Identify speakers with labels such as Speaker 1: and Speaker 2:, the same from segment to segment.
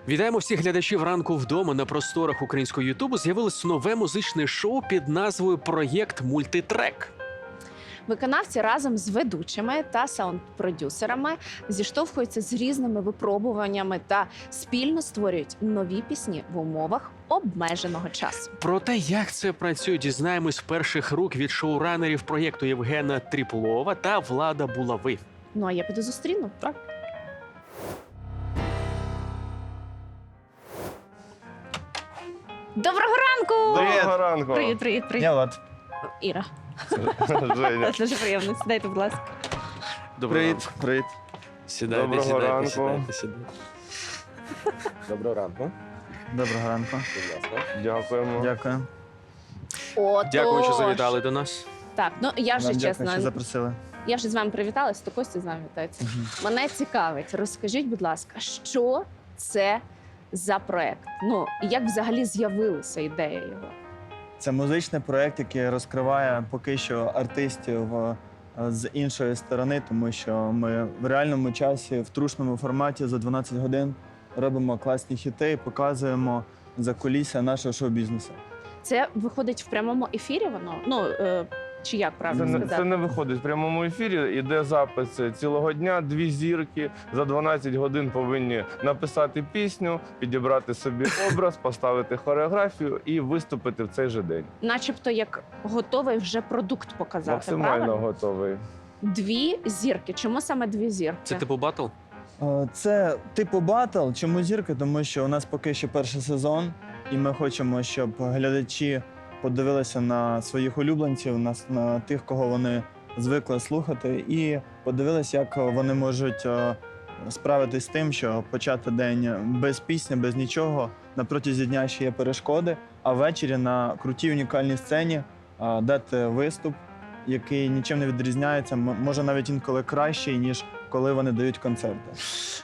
Speaker 1: Вітаємо всіх глядачів ранку вдома. На просторах українського Ютубу з'явилось нове музичне шоу під назвою «Проєкт Мультитрек».
Speaker 2: Виконавці разом з ведучими та саунд-продюсерами зіштовхуються з різними випробуваннями та спільно створюють нові пісні в умовах обмеженого часу.
Speaker 1: Про те, як це працює, дізнаємось з перших рук від шоуранерів проєкту Євгена Тріплова та Влада Булави.
Speaker 2: Ну а я піду зустріну.
Speaker 1: Так.
Speaker 2: Доброго ранку!
Speaker 3: Доброго ранку.
Speaker 2: Привіт.
Speaker 4: Я Влад.
Speaker 2: Іра.
Speaker 3: Женя.
Speaker 2: Дуже приємно. Сідайте, будь ласка.
Speaker 4: Привіт. Привіт.
Speaker 1: Сідайте,
Speaker 3: Доброго
Speaker 1: сідайте,
Speaker 3: ранку.
Speaker 1: сідайте. Доброго ранку.
Speaker 4: Доброго ранку.
Speaker 1: Будь ласка.
Speaker 3: Дякуємо.
Speaker 4: Дякую.
Speaker 1: Дякую, що завітали до нас.
Speaker 2: Так, ну я вже
Speaker 4: Вам дякую,
Speaker 2: чесно,
Speaker 4: що запросили.
Speaker 2: я вже з вами привіталась, то Костя з вами вітається. Мене цікавить, розкажіть, будь ласка, що це за проект? Ну, і як взагалі з'явилася ідея його?
Speaker 4: Це музичний проєкт, який розкриває поки що артистів з іншої сторони, тому що ми в реальному часі, в трушному форматі за 12 годин робимо класні хіти і показуємо закулісся нашого шоу-бізнесу.
Speaker 2: Це виходить в прямому ефірі воно? Ну, чи як правильно
Speaker 3: Це
Speaker 2: сказати?
Speaker 3: не виходить в прямому ефірі. Іде запис цілого дня. 2 зірки за 12 годин повинні написати пісню, підібрати собі образ, поставити хореографію і виступити в цей же день.
Speaker 2: Начебто як готовий вже продукт показати,
Speaker 3: Максимально
Speaker 2: правильно?
Speaker 3: готовий.
Speaker 2: 2 зірки. Чому саме 2 зірки?
Speaker 1: Це типу батл?
Speaker 4: Це типу батл. Чому зірки? Тому що у нас поки що перший сезон, і ми хочемо, щоб глядачі подивилися на своїх улюбленців, на тих, кого вони звикли слухати, і подивилися, як вони можуть справитись з тим, що почати день без пісні, без нічого. На протязі дня ще є перешкоди, а ввечері на крутій унікальній сцені дати виступ, який нічим не відрізняється, може навіть інколи кращий, ніж коли вони дають концерти.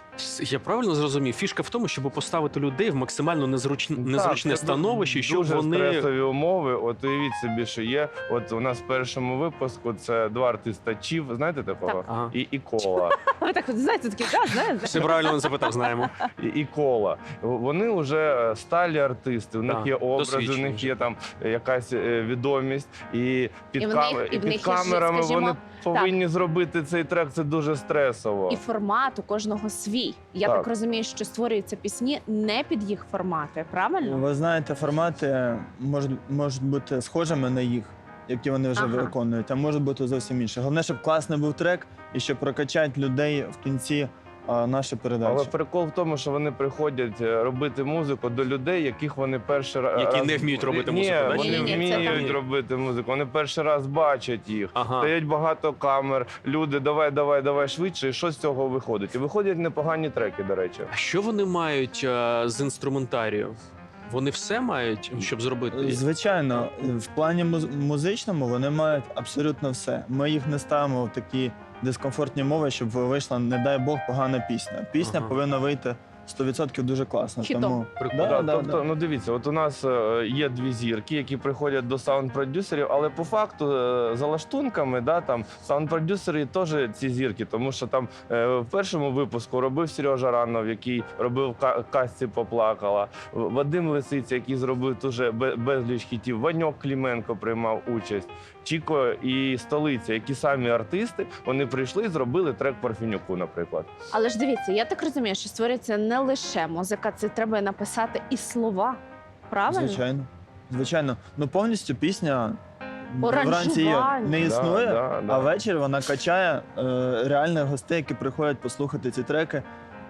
Speaker 1: Я правильно зрозумів? Фішка в тому, щоб поставити людей в максимально незручне
Speaker 3: Так, це
Speaker 1: становище, щоб
Speaker 3: дуже
Speaker 1: вони...
Speaker 3: стресові умови. От уявіть собі, що є. От у нас в першому випуску це 2 артиста Чів, знаєте такого?
Speaker 2: Так.
Speaker 1: Ага.
Speaker 3: І Кола.
Speaker 2: Ви так от знаєте, такі, да, знаєте.
Speaker 1: Все правильно він запитав, знаємо.
Speaker 3: І Кола. Вони вже сталі артисти, у них
Speaker 1: Так,
Speaker 3: є образи, у
Speaker 1: досвідчені
Speaker 3: них
Speaker 1: вже.
Speaker 3: є там якась відомість. І під,
Speaker 2: І в них- і в них є,
Speaker 3: камерами
Speaker 2: скажімо,
Speaker 3: вони повинні зробити цей трек, це дуже стресово.
Speaker 2: І формат у кожного свій. Я
Speaker 3: Так.
Speaker 2: так розумію, що створюються пісні не під їх формати, правильно?
Speaker 4: Ви знаєте, формати можуть бути схожими на їх, які вони вже
Speaker 2: Ага.
Speaker 4: виконують, а можуть бути зовсім інші. Головне, щоб класний був трек і щоб прокачати людей в кінці нашої передачі.
Speaker 3: Але прикол в тому, що вони приходять робити музику до людей, яких вони перший раз...
Speaker 1: Які не вміють робити музику, да?
Speaker 3: Ні, вони
Speaker 2: Ні-ні-ні, це
Speaker 3: вміють
Speaker 1: там-
Speaker 3: робити музику, вони перший раз бачать їх.
Speaker 1: Ага.
Speaker 3: Стоять багато камер, люди, давай швидше, і що з цього виходить? І виходять непогані треки, до речі.
Speaker 1: А що вони мають з інструментарію? Вони все мають, щоб зробити?
Speaker 4: Звичайно, в плані музичному вони мають абсолютно все. Ми їх не ставимо в такі дискомфортні мови, щоб вийшла, не дай Бог, погана пісня. Пісня
Speaker 1: Ага.
Speaker 4: повинна вийти 100% дуже класно.
Speaker 2: Хітом.
Speaker 4: Тому
Speaker 1: Прикольно.
Speaker 3: Тобто, ну дивіться, от у нас є 2 зірки, які приходять до саунд-продюсерів, але по факту за лаштунками, да, там саунд-продюсери теж ці зірки, тому що там в першому випуску робив Сережа Ранов, який робив «Казці поплакала», Вадим Лисиця, який зробив дуже безліч хітів, Ваньок Кліменко приймав участь, Чіко і Столиця, які самі артисти, вони прийшли і зробили трек Парфенюку, наприклад.
Speaker 2: Але ж дивіться, я так розумію, що створюється не лише музика, це треба написати і слова. Правильно?
Speaker 4: звичайно. Ну повністю пісня
Speaker 2: Оранжування.
Speaker 4: вранці не існує,
Speaker 3: Да.
Speaker 4: а ввечері вона качає реальних гостей, які приходять послухати ці треки.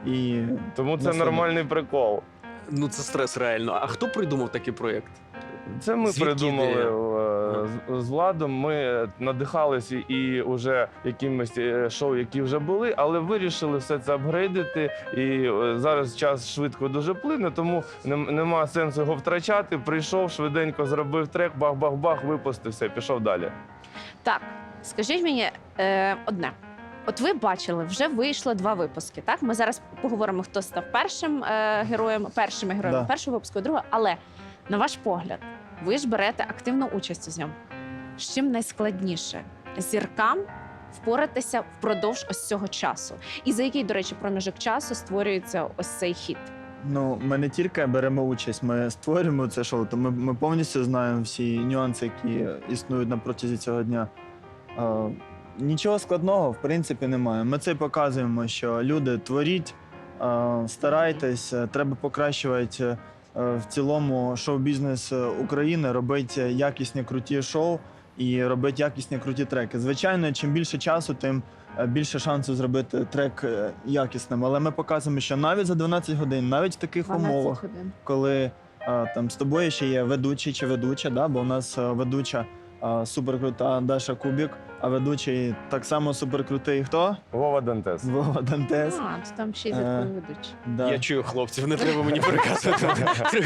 Speaker 4: І
Speaker 3: Тому це
Speaker 4: насолоду.
Speaker 3: нормальний прикол.
Speaker 1: Ну це стрес реально. А хто придумав такий проєкт?
Speaker 3: Це ми
Speaker 1: Звідки
Speaker 3: придумали
Speaker 1: ідея?
Speaker 3: з Владом. Ми надихалися і вже якимись шоу, які вже були, але вирішили все це апгрейдити. І зараз час швидко дуже плине, тому нема сенсу його втрачати. Прийшов, швиденько зробив трек, бах-бах-бах, випустив, все, пішов далі.
Speaker 2: Так, скажіть мені одне. От ви бачили, вже вийшло 2 випуски. Так, ми зараз поговоримо, хто став першими героями
Speaker 4: Да.
Speaker 2: першого випуску, другого. Але на ваш погляд, ви ж берете активну участь у зйомку. З чим найскладніше зіркам впоратися впродовж ось цього часу? І за який, до речі, проміжок часу створюється ось цей хіт?
Speaker 4: Ну, ми не тільки беремо участь, ми створюємо це шоу, то ми повністю знаємо всі нюанси, які існують на протязі цього дня. Нічого складного, в принципі, немає. Ми це й показуємо, що люди творіть, старайтесь, треба покращувати в цілому шоу-бізнес України, робити якісні круті шоу і робити якісні круті треки. Звичайно, чим більше часу, тим більше шансу зробити трек якісним. Але ми показуємо, що навіть за 12 годин, навіть в таких
Speaker 2: 12
Speaker 4: умовах,
Speaker 2: годин.
Speaker 4: коли там з тобою ще є ведучий чи ведуча, да? Бо у нас ведуча суперкрута Даша Кубік, а ведучий так само суперкрутий хто?
Speaker 3: Вова Дантес.
Speaker 4: Вова Дантес.
Speaker 2: То там ще й ведучі.
Speaker 4: Да.
Speaker 1: Я чую хлопців, не треба мені переказувати.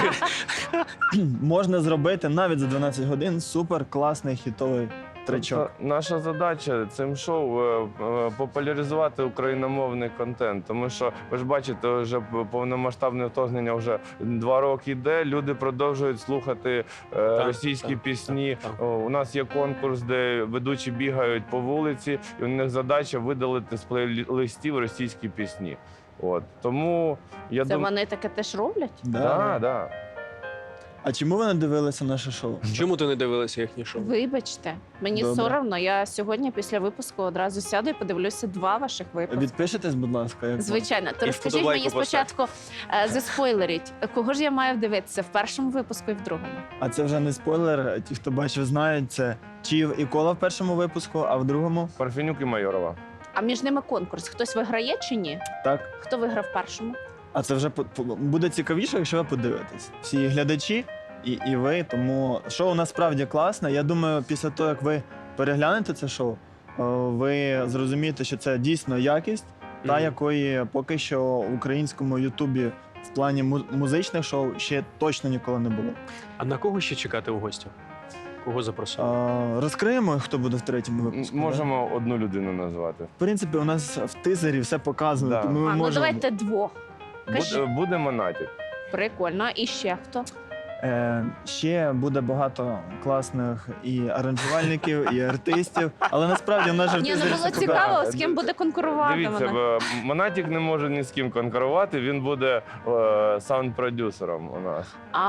Speaker 4: Можна зробити навіть за 12 годин супер класний хітовий тречок.
Speaker 3: Тобто наша задача цим шоу популяризувати україномовний контент, тому що ви ж бачите, вже повномасштабне вторгнення вже 2 роки йде. Люди продовжують слухати російські пісні.
Speaker 1: так.
Speaker 3: У нас є конкурс, де ведучі бігають по вулиці, і у них задача видалити з плейлистів російські пісні. От тому я
Speaker 2: Це
Speaker 3: думаю,
Speaker 2: вони таке теж роблять?
Speaker 3: да.
Speaker 4: А чому ви не дивилися наше шоу?
Speaker 1: Чому ти не дивилася їхнє шоу?
Speaker 2: Вибачте, мені
Speaker 4: Добре.
Speaker 2: соромно. Я сьогодні після випуску одразу сяду і подивлюся 2 ваших випуски.
Speaker 4: Відпишитесь, будь ласка. Як
Speaker 2: Звичайно, то
Speaker 1: І
Speaker 2: розкажіть
Speaker 1: вподобайку
Speaker 2: мені спочатку, заспойлеріть, кого ж я маю дивитися в першому випуску і в другому?
Speaker 4: А це вже не спойлер. Ті, хто бачив, знають, це Чів і Кола в першому випуску, а в другому
Speaker 3: Парфенюк і Майорова.
Speaker 2: А між ними конкурс. Хтось виграє чи ні?
Speaker 4: так.
Speaker 2: Хто виграв в першому?
Speaker 4: А це вже буде цікавіше, якщо ви подивитесь. Всі глядачі і ви. Тому шоу насправді класне. Я думаю, після того, як ви переглянете це шоу, ви зрозумієте, що це дійсно якість, та
Speaker 1: Мгм.
Speaker 4: якої поки що в українському Ютубі в плані музичних шоу ще точно ніколи не було.
Speaker 1: А на кого ще чекати у гостях? Кого запросили?
Speaker 4: Розкриємо, хто буде в третьому випуску. да?
Speaker 3: Можемо одну людину назвати.
Speaker 4: В принципі, у нас в тизері все показано,
Speaker 3: Да.
Speaker 4: тому ми
Speaker 2: Ну
Speaker 4: можемо.
Speaker 2: давайте 2. Кажи.
Speaker 3: Буде Монатік.
Speaker 2: Прикольно. І ще хто?
Speaker 4: Ще буде багато класних і аранжувальників, і артистів, але насправді в нас же в
Speaker 2: Ні, ну
Speaker 4: тизері
Speaker 2: було
Speaker 4: все
Speaker 2: цікаво,
Speaker 4: показано.
Speaker 2: з ким буде конкурувати
Speaker 3: Дивіться,
Speaker 2: вона.
Speaker 3: Монатік не може ні з ким конкурувати, він буде саунд-продюсером у нас.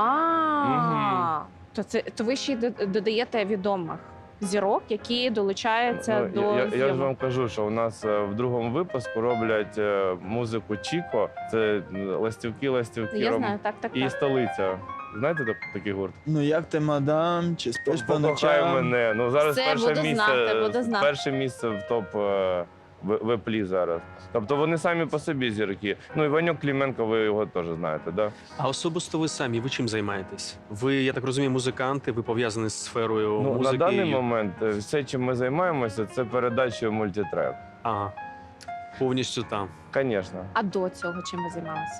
Speaker 2: А, то ви ще й додаєте відомих зірок, які долучаються
Speaker 3: Ну,
Speaker 2: до
Speaker 3: я ж
Speaker 2: зйомок.
Speaker 3: вам кажу, що у нас в другому випуску роблять музику Чіко, це ластівки,
Speaker 2: Я знаю, так.
Speaker 3: і столиця. Знаєте такий гурт?
Speaker 4: Ну як ти, мадам, чи спиш по
Speaker 3: Покохай
Speaker 4: ночам?
Speaker 3: мене. Ну зараз
Speaker 2: Все,
Speaker 3: перше
Speaker 2: буду
Speaker 3: місце,
Speaker 2: знати, буду знати.
Speaker 3: перше місце в топ веплі зараз. Тобто вони самі по собі зірки. Ну і Ваньок Клименко, ви його теж знаєте, да?
Speaker 1: А особисто ви самі, ви чим займаєтесь? Ви, я так розумію, музиканти, ви пов'язані з сферою
Speaker 3: Ну,
Speaker 1: музики.
Speaker 3: на даний
Speaker 1: і-
Speaker 3: момент все, чим ми займаємося, це передачею мультитрек.
Speaker 1: Ага. Повністю там.
Speaker 3: Звісно.
Speaker 2: А до цього чим ви займалися?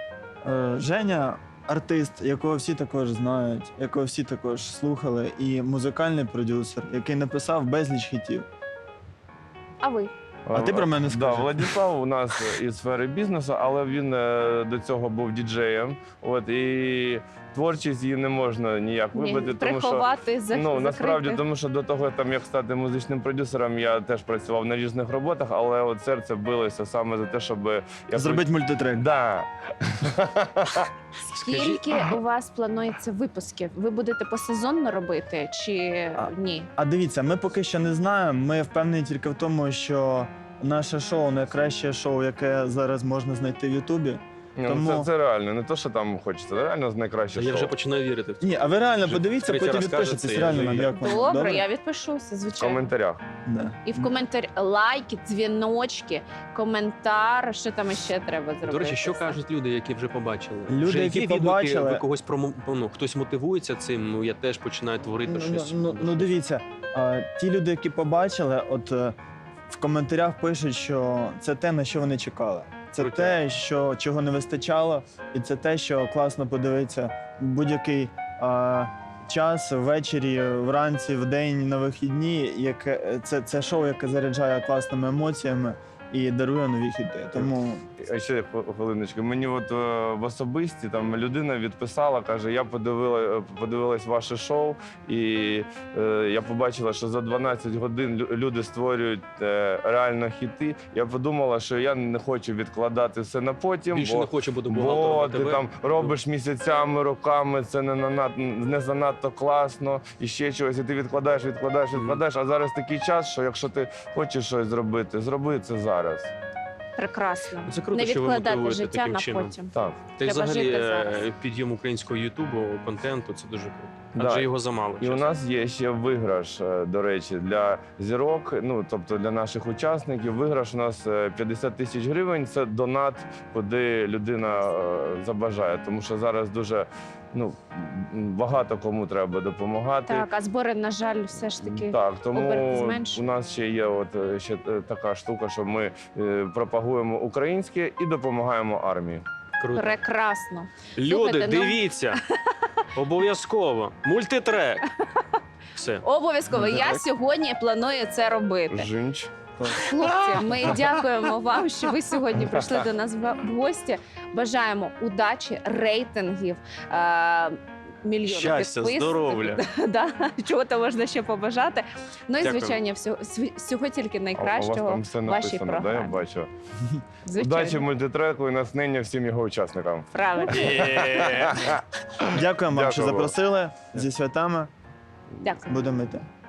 Speaker 4: Женя артист, якого всі також знають, якого всі також слухали, і музикальний продюсер, який написав безліч хітів.
Speaker 2: А ви?
Speaker 4: А ти про мене
Speaker 3: Да,
Speaker 4: скажи.
Speaker 3: Владислав у нас із сфери бізнесу, але він до цього був діджеєм. От і творчість її не можна ніяк вибити, тому що
Speaker 2: приховати,
Speaker 3: ну насправді,
Speaker 2: закрити.
Speaker 3: тому що до того, там як стати музичним продюсером, я теж працював на різних роботах, але от серце билося саме за те, щоб
Speaker 4: Зробити мультитрек.
Speaker 3: Да.
Speaker 2: Скільки у вас планується випусків? Ви будете посезонно робити чи ні?
Speaker 4: А дивіться, ми поки що не знаємо. Ми впевнені тільки в тому, що наше шоу найкраще шоу, яке зараз можна знайти в Ютубі.
Speaker 3: Ну,
Speaker 4: Тому-
Speaker 3: це реально, не то, що там хочеться, це реально найкраще
Speaker 1: Я
Speaker 3: шоу.
Speaker 1: вже починаю вірити в це.
Speaker 4: Ні, а ви реально
Speaker 1: Вже
Speaker 4: подивіться,
Speaker 1: третій
Speaker 4: потім
Speaker 1: раз
Speaker 4: відпишетесь.
Speaker 1: кажете,
Speaker 4: Реально
Speaker 1: я
Speaker 4: нам
Speaker 1: вже
Speaker 4: як вам.
Speaker 2: Добре, я відпишуся,
Speaker 3: В
Speaker 2: звичайно.
Speaker 3: коментарях.
Speaker 4: Да.
Speaker 2: І в коментарі лайки, дзвіночки, коментар. Що там ще треба зробити?
Speaker 1: До речі, що кажуть люди, які вже побачили?
Speaker 4: Люди,
Speaker 1: вже
Speaker 4: які
Speaker 1: є відгуки,
Speaker 4: побачили-
Speaker 1: ви когось хтось мотивується цим. Ну я теж починаю творити щось.
Speaker 4: Ну дивіться, ті люди, які побачили, от в коментарях пишуть, що це те, на що вони чекали. Це
Speaker 1: Крутяк.
Speaker 4: те, що чого не вистачало, і це те, що класно подивитися будь-який час ввечері, вранці, вдень, на вихідні. Це шоу, яке заряджає класними емоціями і дарує нові хіти. Тому
Speaker 3: А ще хвилиночку. Мені от в особисті там людина відписала, каже, я подивилась ваше шоу, і я побачила, що за 12 годин люди створюють реально хіти. Я подумала, що я не хочу відкладати все на потім,
Speaker 1: Більше не хочу бути
Speaker 3: бо
Speaker 1: бухгалтером.
Speaker 3: ти там робиш місяцями, роками, це не занадто класно, і ще чогось, і ти відкладаєш, а зараз такий час, що якщо ти хочеш щось зробити, зроби це зараз.
Speaker 2: Прекрасно.
Speaker 1: Це круто,
Speaker 2: Не
Speaker 1: що ви
Speaker 2: відкладати
Speaker 1: мотивуєте
Speaker 2: життя
Speaker 1: таким
Speaker 2: на
Speaker 1: чином.
Speaker 2: потім.
Speaker 3: Так.
Speaker 1: Та й
Speaker 2: Треба
Speaker 1: взагалі
Speaker 2: жити зараз.
Speaker 1: підйом українського Ютубу, контенту це дуже круто.
Speaker 3: Да.
Speaker 1: Адже його замало.
Speaker 3: І у
Speaker 1: чесно.
Speaker 3: нас є ще виграш, до речі, для зірок, ну тобто для наших учасників. Виграш у нас 50 тисяч гривень. Це донат, куди людина забажає, тому що зараз дуже багато кому треба допомагати.
Speaker 2: Так, а збори, на жаль, все ж таки.
Speaker 3: Так,
Speaker 2: оберти
Speaker 3: тому
Speaker 2: зменшують.
Speaker 3: у нас ще є ще така штука, що ми пропагуємо українське і допомагаємо армії.
Speaker 1: Круто.
Speaker 2: Прекрасно.
Speaker 1: Люди,
Speaker 2: Слухайте, ну-
Speaker 1: дивіться. Обов'язково. Мультитрек. Все.
Speaker 2: Обов'язково. Я
Speaker 3: Так.
Speaker 2: сьогодні планую це робити.
Speaker 3: Жінч.
Speaker 2: Хлопці, ми дякуємо вам, що ви сьогодні прийшли до нас в гості. Бажаємо удачі, рейтингів, мільйонів
Speaker 1: Щастя,
Speaker 2: підписників.
Speaker 1: здоров'я.
Speaker 2: Да, чого то можна ще побажати. Ну і
Speaker 1: Дякую.
Speaker 2: звичайно, всього тільки
Speaker 3: А у вас
Speaker 2: найкращого
Speaker 3: там все
Speaker 2: в вашій
Speaker 3: написано, да, я
Speaker 2: програмі.
Speaker 3: бачу.
Speaker 2: Звичайно.
Speaker 3: Удачі мультитреку і натхнення всім його учасникам.
Speaker 2: Правильно.
Speaker 4: дякуємо вам, що
Speaker 3: Дякую вам.
Speaker 4: запросили. Зі святами
Speaker 2: Дякую.
Speaker 4: будемо йти.